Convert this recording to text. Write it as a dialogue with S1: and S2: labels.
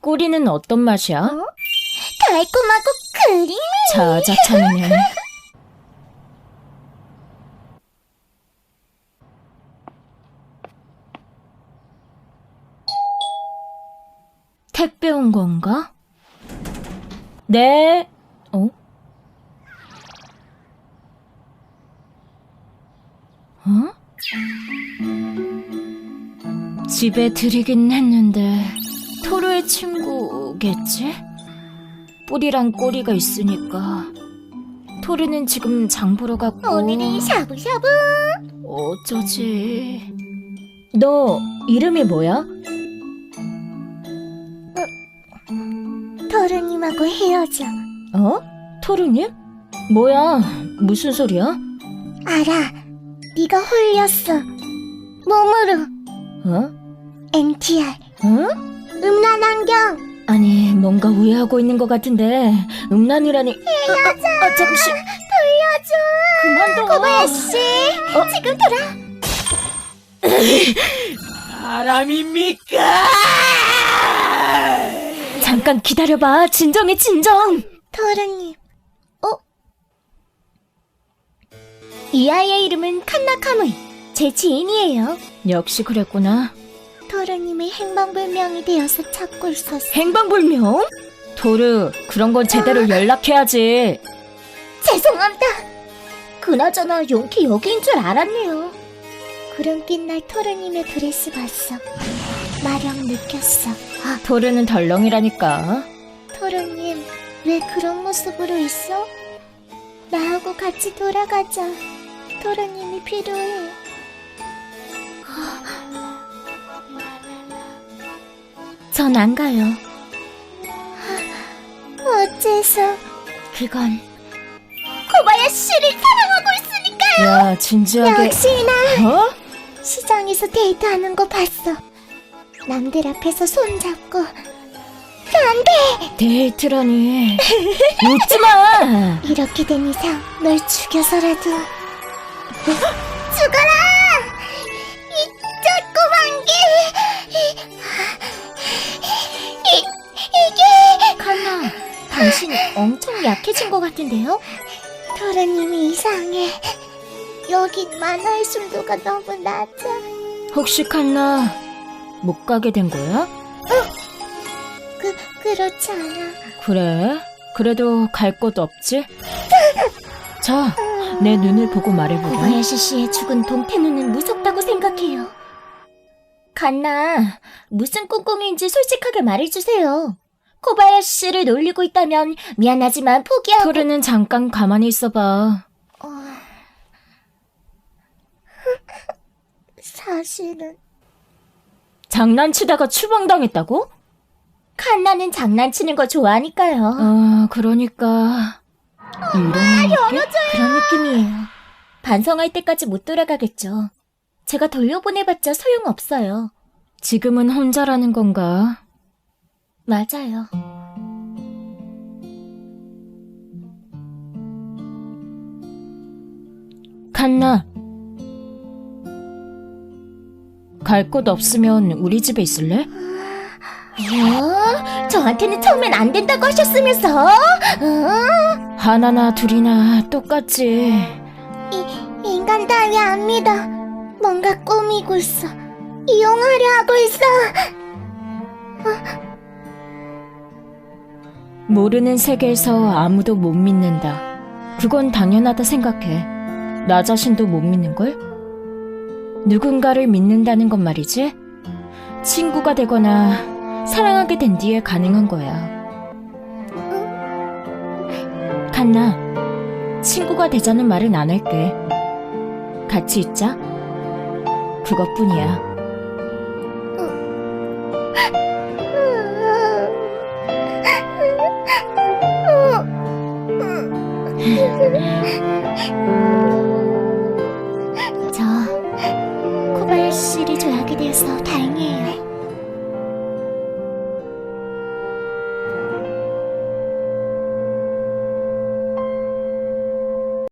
S1: 꼬리는 어떤 맛이야?
S2: 달콤하고 크리미.
S1: 자자찬이네. 택배 온 건가? 네. 어? 어? 집에 들이긴 했는데 토르의 친구겠지? 뿔이랑 꼬리가 있으니까. 토르는 지금 장 보러 갔고.
S2: 오늘은 샤브샤브.
S1: 어쩌지? 너 이름이 뭐야?
S2: 토르님하고 헤어져.
S1: 어? 토르님? 뭐야? 무슨 소리야?
S2: 알아. 네가 홀렸어. 몸으로.
S1: 어?
S2: NTR.
S1: 어?
S2: 음란 안경.
S1: 아니, 뭔가 오해하고 있는 것 같은데 음란이라니.
S2: 헤어져.
S1: 잠시.
S2: 돌려줘.
S1: 그만둬.
S2: 코바야씨. 지금 돌아.
S1: 사람입니까? 잠깐 기다려봐. 진정해, 진정.
S2: 토르님. 이 아이의 이름은 칸나 카무이. 제 지인이에요.
S1: 역시 그랬구나.
S2: 토르님이 행방불명이 되어서 찾고 있었어.
S1: 행방불명? 토르, 그런 건 제대로 연락해야지.
S2: 죄송합니다. 그나저나 용키 여기인 줄 알았네요. 구름빛 날 토르님의 드레스 봤어. 마력 느꼈어.
S1: 토르는 덜렁이라니까.
S2: 토르님, 왜 그런 모습으로 있어? 나하고 같이 돌아가자. 토르님이 필요해. 전 안 가요. 어째서?
S1: 그건.
S2: 코바야씨를 사랑하고 있으니까요.
S1: 야, 진지하게.
S2: 역시나
S1: 어?
S2: 시장에서 데이트하는 거 봤어. 남들 앞에서 손잡고.
S1: 데이트라니. 웃지마.
S2: 이렇게 된 이상 널 죽여서라도 죽어라! 이 조그만 게 이게
S1: 칸나, 당신 엄청 약해진 것 같은데요?
S2: 토르님이 이상해. 여긴 만화의 순도가 너무 낮아.
S1: 혹시 칸나 못 가게 된 거야?
S2: 그렇지 않아.
S1: 그래? 그래도 갈 곳 없지? 자, 내 눈을 보고 말해보라.
S2: 코바야시 씨의 죽은 동태눈은 무섭다고 생각해요. 칸나, 무슨 꿍꿍이인지 솔직하게 말해주세요. 코바야시 씨를 놀리고 있다면 미안하지만 포기하고.
S1: 토르는 잠깐 가만히 있어봐.
S2: 사실은
S1: 장난치다가 추방당했다고?
S2: 칸나는 장난치는 거 좋아하니까요.
S1: 그러니까 이런 느낌?
S2: 그런 느낌이에요. 반성할 때까지 못 돌아가겠죠. 제가 돌려보내봤자 소용없어요.
S1: 지금은 혼자라는 건가?
S2: 맞아요.
S1: 칸나, 갈 곳 없으면 우리 집에 있을래?
S2: 저한테는 처음엔 안 된다고 하셨으면서.
S1: 하나나 둘이나 똑같지.
S2: 인간 따위 안 믿어. 뭔가 꾸미고 있어. 이용하려 하고 있어.
S1: 모르는 세계에서 아무도 못 믿는다. 그건 당연하다 생각해. 나 자신도 못 믿는걸? 누군가를 믿는다는 건 말이지. 친구가 되거나 사랑하게 된 뒤에 가능한 거야. 칸나, 친구가 되자는 말은 안 할게. 같이 있자. 그것뿐이야.